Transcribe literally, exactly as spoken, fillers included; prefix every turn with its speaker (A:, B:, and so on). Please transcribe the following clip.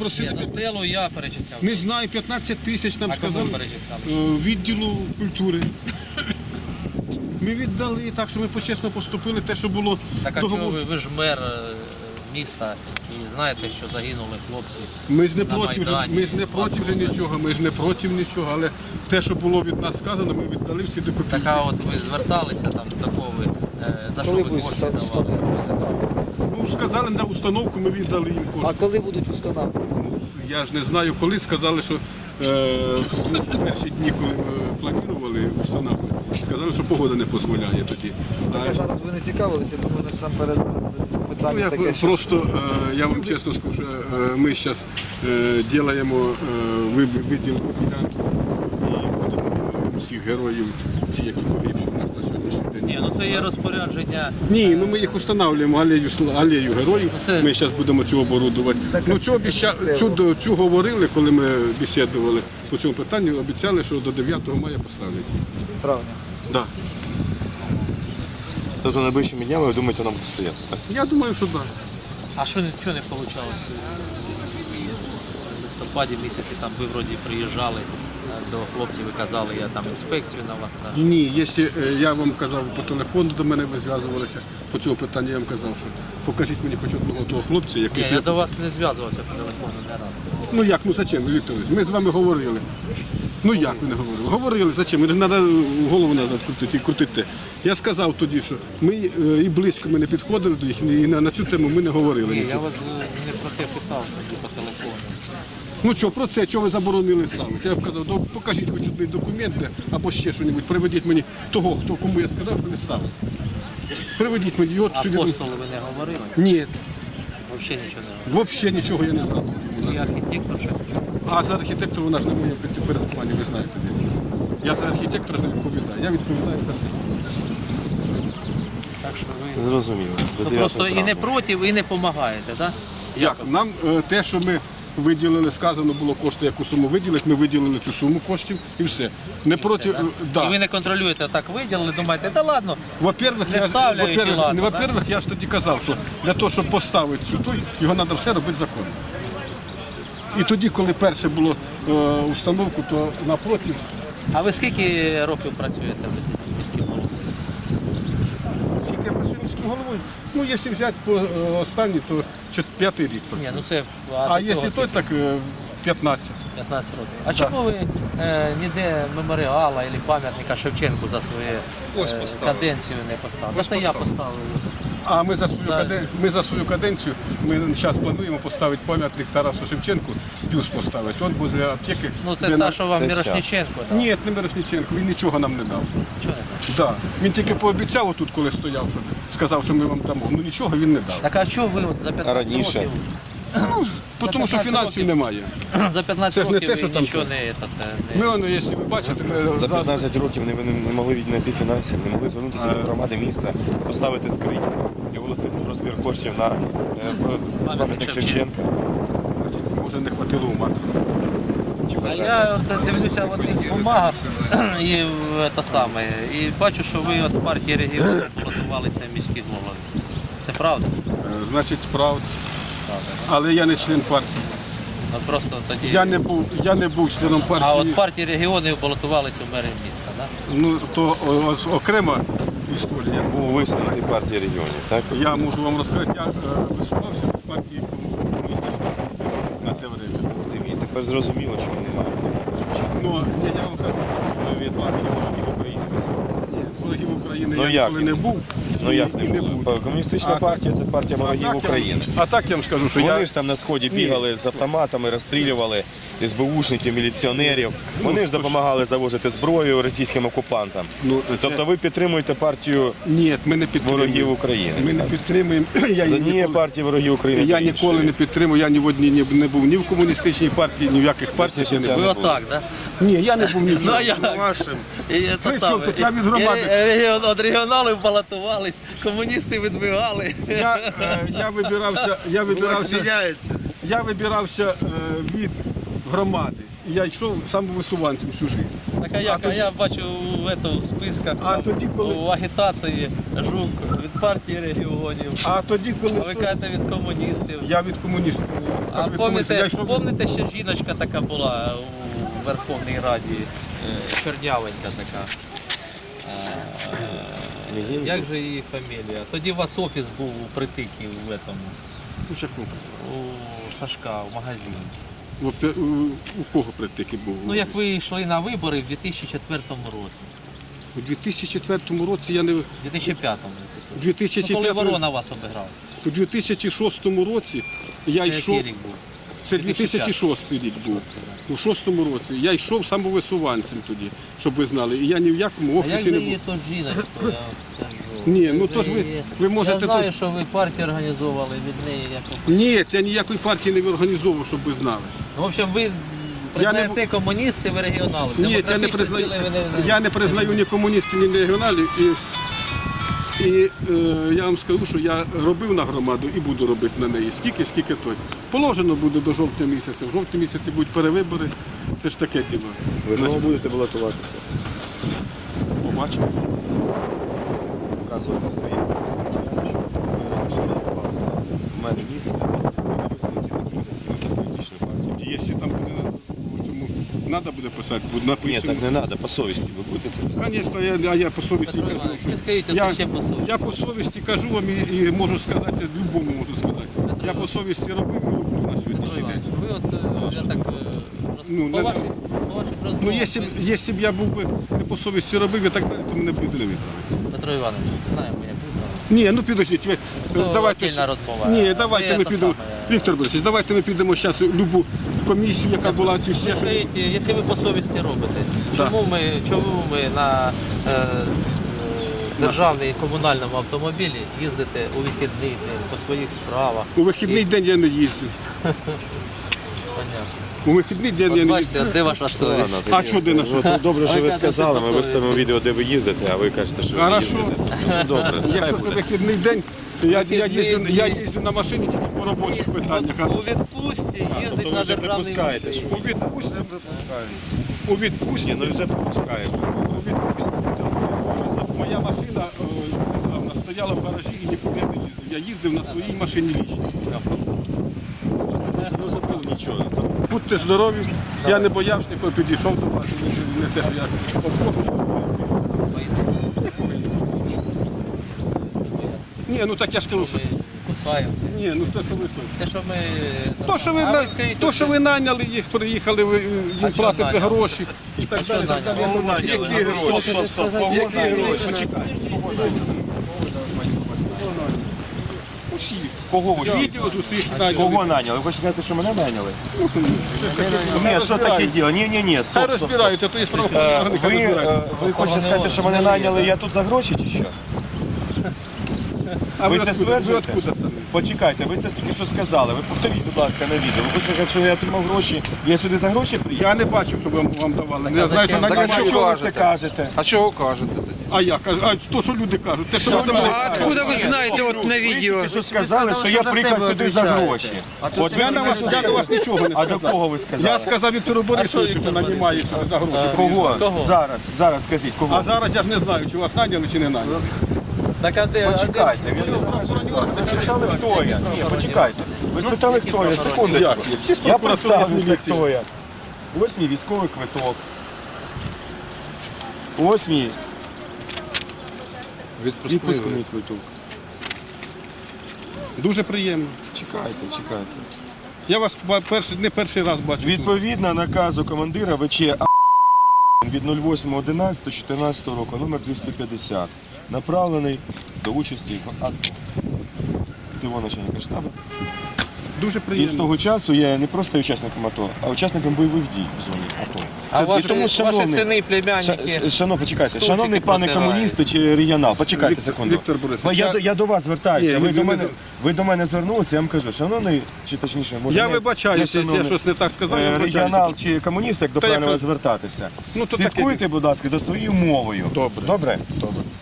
A: Просили,
B: За стелу я перечисляв.
A: не знаю, п'ятнадцять тисяч нам
B: А кому
A: сказали
B: перечисляли?
A: е, відділу культури. Ми віддали так, що ми почесно поступили, те, що було
B: Так а чого
A: договор.
B: ви, ви ж мер е, міста і знаєте, що загинули хлопці.
A: Ми ж не
B: на
A: проти, вже,
B: Майдані.
A: ми ж не проти вже нічого, ми ж не проти нічого, але те, що було від нас сказано, ми віддали всі до копійки.
B: Так а от ви зверталися там до кого ви, е, за що
C: Коли
B: ви
C: будуть
B: кошти
C: ста-
B: давали?
A: Ну, сказали на установку, ми віддали їм
C: А
A: кошти.
C: коли будуть установки?
A: Я ж не знаю коли, сказали, що е, в перші дні, коли ми планували установку, сказали, що погода не дозволяє тоді.
C: Так, а зараз ви не цікавилися, тому насамперед
A: Ну,
C: питання
A: я
C: таке, що
A: просто, е, я вам чесно скажу, що е, ми зараз е, робимо виділ ділянку і будемо всіх героїв, ті, які погибші у нас на сьогоднішній день.
B: Ні, ну це є розпорядження.
A: Ні, ну ми їх встановлюємо алею, алею героїв.
B: Це-
A: Ми зараз будемо цю оборудувати. Ну, цю, обіця... цю, цю говорили, коли ми бесідували по цьому питанню, обіцяли, що до дев'ятого мая поставлять.
C: травня.
A: Да.
D: Тобто найближчими днями, ви думаєте, нам буде стояти, так?
A: Я думаю, що так. Да.
B: А що нічого не вийшло? В листопаді місяці там ви вроді приїжджали е, до хлопців і казали, я там інспекцію на вас на.
A: Ні, якщо е, я вам казав по телефону, до мене ви зв'язувалися по цьому питанню, я вам казав, що покажіть мені хоч одного того хлопця, який...
B: Ні, я до вас не зв'язувався по телефону не раз.
A: Ну як, ну зачем, Віктор Ілліч? Ми з вами говорили. Ну як ви не говорили? Говорили, зачем? Не треба голову назад крутити і крутити. Я сказав тоді, що ми е, і близько ми не підходили до їх, і на, на цю тему ми не говорили
B: Ні, я
A: нічого.
B: вас е, не про те питав тоді по телефону.
A: Ну що, про це, чого ви заборонили ставити? Я б казав, «Ну, покажіть хоч один документ де, або ще щось, приведіть мені того, хто кому я сказав, що не ставив. Приведіть мені його
B: А
A: сюди.
B: апостоли ви не говорили?
A: Ні,
B: Взагалі нічого не говорили.
A: взагалі нічого я не знав.
B: І архітектор ще нічого.
A: А за архітектора вона ж не моє підпорядкування, ви знаєте. Я за архітектора ж не відповідаю, я відповідаю за себе.
B: Так що ви
D: Зрозуміло. До
B: ну,
D: дев'ятого
B: просто і не
D: травня.
B: проти, і не допомагаєте, так?
A: Як? Нам е, те, що ми виділили, сказано було кошти, яку суму виділити, ми виділили цю суму коштів і все. Не проти,
B: Все,
A: е,
B: да?
A: да.
B: І ви не контролюєте, так виділили, думаєте, та ладно.
A: Во-первых,
B: не
A: я, ж-
B: ставлю, і
A: во-первых,
B: ладно,
A: не,
B: да?
A: во-первых, я ж тоді казав, що для того, щоб поставити цю той, його треба все робити законно. І тоді, коли перше було е, установку, то напротив,
B: А ви скільки років працюєте в місяці міським головою?
A: скільки я працюю міським головою, ну якщо взяти по е, останній, то чот- п'ятий рік.
B: Ні, ну це
A: А
B: до
A: якщо
B: цього
A: той, так е, п'ятнадцять.
B: п'ятнадцять років. А чому ви е, ніде меморіала або пам'ятника Шевченку за свою е, каденцію не поставили?
A: Ось
B: Це я
A: поставив.
B: поставив.
A: А ми за свою
B: За-
A: каден... ми за свою каденцію ми зараз плануємо поставити пам'ятник Тарасу Шевченку, бюст поставити. От возле аптеки.
B: Ну це
A: де
B: та,
A: на-
B: що вам
D: Це
B: Мірошніченко дав.
A: Ні, не Мирошниченко, він нічого нам не дав.
B: Чого не дав?
A: Да. Він тільки пообіцяв отут, коли стояв, що сказав, що ми вам дамо. Ну нічого він не дав.
B: Так а чого ви от за п'ятнадцять
D: раніше?
B: років?
A: Тому що
B: п'ятнадцять
A: фінансів
B: років.
A: немає.
B: За п'ятнадцять
A: Це ж не
B: років
A: те, що
B: ви
A: там
B: нічого
A: тут.
B: не, этот,
A: Ми,
B: не...
A: воно, якщо ви бачите, ми
D: За
A: зараз-
D: п'ятнадцять років не, не, не могли віднайти фінансів, не могли звернутися до громади міста, поставити скринь і оголосити про збір коштів на е, в- пам'ятник Шевченка.
A: значить, може не хватило ума.
D: Чи
B: А
D: бажання?
B: я от дивлюся в одних бумагах і, в те саме, і бачу, що ви от партії регіонів балотувалися в міських головах. Це правда?
A: Е, Значить, правда. Але я не член партії.
B: От просто тоді...
A: Я не був, я не був членом партії.
B: А от партії регіонів балотувалися в мери міста, так?
A: Ну, то о, о, окрема історія.
D: Був висунутий партії регіонів, так?
A: Я можу вам розказати, я е, висувався в партії комуністичної на те время.
D: Ти мені тепер зрозуміло, чому немає.
A: Ну, ні, я вам кажу,
D: Ви від партії ворогів України висувалися.
A: ворогів України
D: Ну,
A: я
D: як?
A: ніколи не був.
D: Ну
A: і-
D: як
A: і
D: не було?
A: буду.
D: Комуністична
A: А
D: партія це партія
A: А
D: ворогів
A: так я-
D: України.
A: А так я вам скажу, що
D: Вони
A: я...
D: ж там на сході бігали з автоматами, розстрілювали СБУшників, міліціонерів. Вони ж допомагали завозити зброю російським окупантам.
A: Ну, це-
D: Тобто ви підтримуєте партію
A: Ні, ми не підтримуємо.
D: ворогів України.
A: Ми не підтримуємо. Я
D: З
A: її
D: однієї
A: ніколи-
D: партії ворогів України.
A: Я
D: до
A: ніколи
D: іншої.
A: не підтримую, я ні в одній не, не був ні в комуністичній партії, ні в яких партіях я не
D: життя
A: був.
B: Ви
D: не було.
B: отак, так?
A: Ні, я не був ні в
B: Ну, а
A: чому.
B: як? І це
A: При
B: саме.
A: чому тут? Я від громади.
B: І ре- регіон- От регіоналів балотувались, комуністи відбігали.
A: Я, е, я вибирався, я вибирався, я вибирався е, від громади. І я йшов самовисуванцем всю життя.
B: Так а як? А я бачу в этому, в списках,
A: А
B: там,
A: тоді, коли-
B: у агітації Жук від партії регіонів.
A: А тоді, коли
B: А ви кажете від комуністів.
A: я від комуністів.
B: А
A: кажу, від комуністів. Я
B: помните,
A: йшов-
B: помните, що жіночка така була у Верховній Раді, е, чорнявенька така. Е,
D: Легінська?
B: Як же її фамілія? Тоді у вас офіс був у притиків в этому,
A: У чаку?
B: у Сашка, в магазині.
A: У, пе- у, у кого притики був?
B: Ну як ви йшли на вибори в дві тисячі четвертому році,
A: У дві тисячі четвертому році я не...
B: в дві тисячі п'ятому.
A: У
B: Ну, коли
A: 2005
B: Ворона вас обіграв.
A: У дві тисячі шостому році я
B: Це
A: йшов...
B: який рік був?
A: Це дві тисячі шостий рік був. У шостому році. Я йшов самовисуванцем тоді, щоб ви знали. І я ні в якому
B: А як
A: офісі
B: же
A: не
B: її
A: був.
B: то жіночку, я вам скажу.
A: Ні, ну то ж ви-
B: її-
A: ви можете
B: Я знаю,
A: тут-
B: що ви партію організовували від неї. Як...
A: Ні, я ніякої партії не організовував, щоб ви знали.
B: Ну, в общем, ви
A: Я не
B: признаєте комуністи, ви регіонали.
A: Ні, я не
B: Демократичні
A: признаю.
B: сили ви не-
A: Я не признаю ні комуністів, ні регіоналів. І, і е, я вам скажу, що я робив на громаду і буду робити на неї. Скільки, скільки той. Положено буде до жовтня місяця. В жовтні місяці будуть перевибори. Це ж таке діло.
D: Ви знову будете балотуватися.
A: Побачимо.
D: Показувати свої матеріали, що ви раніше балотувалися. У мене місце, ви висунуті на політичну партію.
A: Якщо там буде на у цьому треба буде писати, буде
D: Ні,
A: написано.
D: так не треба, по совісті ви будете це писати.
A: Звісно, я, я, я по совісті
B: Петро
A: кажу.
B: Іванович,
A: що
B: ви скажіть, це
A: я,
B: ще по совісті.
A: я по совісті кажу вам і, і можу сказати, любому можу сказати. Я по совісті робив і роблю на
B: Петро
A: сьогоднішній
B: Іванович,
A: день.
B: ви от, е, я так, е, роз...
A: Ну,
B: по,
A: не-
B: ваших, по ваших
A: Ну,
B: розмовах,
A: якщо б,
B: ви-
A: якщо б я був би не по совісті робив і так далі, то мене б люди не вибрали.
B: Петро Іванович, знаємо, як ви там.
A: Ні, ну підождіть, ви
B: То
A: давайте.
B: отдельна розмова.
A: Ні, давайте
B: Ви
A: ми
B: те
A: підемо.
B: саме.
A: Віктор Борисович, давайте ми підемо зараз в любу комісію, яка була чи ще
B: Ви
A: щось.
B: скажіть, якщо ви по совісті робите, чому ми, чому ми на е, е, державній і комунальному автомобілі їздите у вихідний день по своїх справах?
A: У вихідний день я не їздю.
B: Понятно.
A: У вихідний день я
B: От
A: не
B: бачите,
A: їздю.
B: от де ваша совість?
A: А що де наша?
D: Ну, добре, що
B: Ви
D: ви
B: кажете,
D: сказали, ми
B: це
D: виставимо
B: по
D: відео, де ви їздите, а ви кажете, що ви
A: Хорошо.
D: їздите. Добре, хай
A: Якщо це
D: буде.
A: вихідний день, я, я,
B: Вихідний
A: їздю, я
B: день.
A: їздю на машині тільки по робочих питаннях.
B: У відпустці
D: А,
B: їздить
D: тобто ви
B: на
D: вже
B: державний
D: припускаєте, що
A: У відпустці, у відпустці,
D: Ні, ну вже пропускаєш.
A: у відпустці. Моя машина е, державна стояла в гаражі і нікуди не їздив. Я їздив на своїй машині лічній.
D: Ну, забули нічого.
A: Будьте здорові, я не боявся, ніколи підійшов до вас, не, не те, що я обхожу. Ні, ну так я ж кажу, що...
B: Ми кусаємося.
A: Ні, ну те, що ви тут.
B: Те, що ми...
A: То, що ви,
B: А
A: на-
B: скажіть,
A: то, що ви наняли їх, приїхали, ви
B: А
A: їм
B: що
A: платите
B: наняли?
A: гроші і так
B: що
A: далі. так далі.
B: наняли?
A: Я думаю, Які гроші? Які гроші?
D: Почекайте.
A: Усі.
D: Кого ви?
A: Відео з усіх
D: Кого
A: наняли.
D: наняли? Ви хочете сказати, що мене наняли?
A: Хай
D: Ні, що таке
A: розбираються.
D: діло? Ні, ні, ні,
A: Хай
D: стоп, стоп, стоп.
A: розбираються, то є правоохоронні
D: Е,
A: органи, хай
D: Ви, е,
A: розбираються.
D: ви хочете сказати, що мене наняли, я тут за гроші чи що?
A: А
D: ви
A: ви
D: це
A: откуда? Ви
D: стверджуєте?
A: откуда самі?
D: Почекайте, ви це тільки що сказали. Ви повторіть, будь ласка, на відео. Ви хочете сказати, що я отримав гроші, я сюди за гроші приїхав?
A: Я не бачив, щоб вам, вам давали.
B: Так,
A: Я
B: а
A: знаю, що
B: зачем?
A: на
C: Так, а
A: німає.
C: чого
D: Чого ви це кажете?
C: А чого кажете тоді?
A: А я кажу, а то, що люди кажуть, те, що ви до мене
E: А
A: кажете.
E: откуда вы знаете вот на
D: Ви
E: видео?
D: тільки що сказали, що я
C: за
D: приїхав
C: себе
D: сюди за
C: відповідаєте.
D: гроші.
C: А тут
D: От
C: ти
A: Я,
D: ви
A: на вас, я до вас нічого не
D: А
A: сказав.
D: до кого ви сказали?
A: Я сказав Віктору Борисовичу, що нанімає себе за гроші.
D: Кого?
B: Кого?
D: Зараз, зараз скажіть, кого?
A: А зараз я ж не знаю, чи вас наняли, чи не наняли.
B: Так, а де?
D: Почекайте, він не знає, що сказав. Ви спитали, хто я? Ні, почекайте. Ви спитали, хто я? Секундочку.
A: Як є? Всі з
D: Я
A: прокуратури, з
D: представлюся,
A: міліції.
D: хто я. Ось мій військовий квиток. Ось мій відпускний квиток.
A: Дуже приємно.
D: Чекайте, чекайте.
A: Я вас ба- перший, не перший раз бачу. тут.
D: Відповідно наказу командира ВЧ А від восьмого одинадцятого чотирнадцятого року, номер двісті п'ятдесят, направлений до участі в АТО. Тиво начальника штабу.
A: Дуже
D: І з
A: приємно.
D: того часу я не просто є учасником АТО, а учасником бойових дій в зоні АТО.
B: А
D: Це-
B: ваші,
D: і тому,
B: ваші
D: шановний-
B: сини, племянники?
D: Ша- Шановні, почекайте,
B: стульчики
D: шановний пане
B: протирають.
D: комуністи чи регіонал, почекайте
A: Віктор-
D: секунду.
A: Віктор Борисович,
D: я,
A: я-
D: до- я до вас звертаюся.
A: Ні,
D: ви,
A: ви
D: до
A: не
D: мене,
A: зв-
D: ви до мене звернулися, я вам кажу, шановний, чи точніше, може
A: Я
D: не-
A: вибачаюся,
D: не
A: якщо я
D: шановний,
A: щось не так сказав, я
D: е,
A: вибачаюся.
D: регіонал чи комуніст, як до
A: Та
D: правильно
A: я-
D: вас звертатися.
A: Ну, то таке
D: Слідкуйте, будь ласка, за своєю мовою.
A: Добре.
D: Добре?
A: Добре.